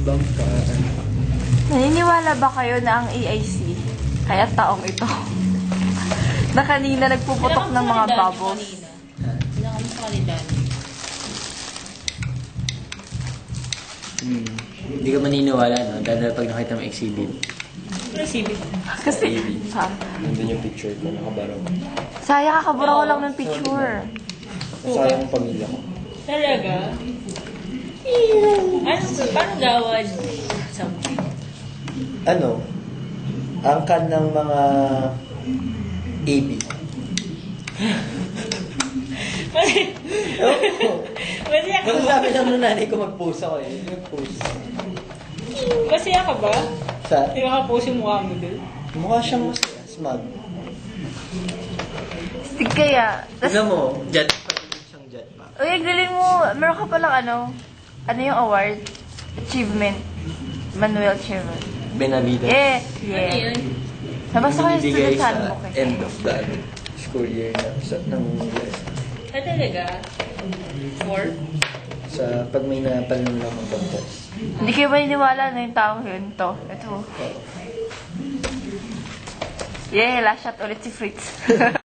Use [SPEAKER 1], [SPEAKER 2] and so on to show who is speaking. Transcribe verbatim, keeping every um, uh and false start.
[SPEAKER 1] bump ka.
[SPEAKER 2] Naniniwala ba kayo na ang A I C, kaya taong ito, na kanina nagpuputok ng mga bubbles?
[SPEAKER 3] Pinakamusta ka ni Danny?
[SPEAKER 1] Hmm. Hindi ka maniniwala, no? Dahil pag nakita mo exhibit.
[SPEAKER 3] Exhibit.
[SPEAKER 2] Kasi, ha?
[SPEAKER 1] Nandun yung picture ko, nakabaraw.
[SPEAKER 2] Saya, kakabura ko lang ng picture.
[SPEAKER 1] Sayang ang pamilya ko.
[SPEAKER 3] Talaga? Ano, paano gawad? Something.
[SPEAKER 1] Ano? Angkan ng mga A B.
[SPEAKER 3] Masaya ka
[SPEAKER 1] Nung
[SPEAKER 3] ba?
[SPEAKER 1] sabi lang nung nanay ko mag-post ako eh. Mag-post.
[SPEAKER 3] Masaya ka ba?
[SPEAKER 1] Sa?
[SPEAKER 3] Hindi ka post yung mukha mo doon.
[SPEAKER 1] Mukha siyang masaya. Smug.
[SPEAKER 2] Stig kaya. Tas,
[SPEAKER 1] Tignan mo, jet pa. Siyang jet pa.
[SPEAKER 2] uy, ang galing mo. Meron ka palang ano, ano yung award? Achievement. Manuel Achievement.
[SPEAKER 1] Benavida.
[SPEAKER 2] Yeah,
[SPEAKER 3] Ano
[SPEAKER 2] yeah.
[SPEAKER 3] yun?
[SPEAKER 2] Nabasa ko yung
[SPEAKER 1] Binibigay
[SPEAKER 2] student
[SPEAKER 1] sa
[SPEAKER 2] handbook eh.
[SPEAKER 1] end of the ano, school year na sa, ng
[SPEAKER 3] Ah, talaga? Four?
[SPEAKER 1] sa pag may napalong lang ng contest.
[SPEAKER 2] Hindi kayo maniniwala na yung taong yun to. Ito. Yeah, last shot ulit si Fritz.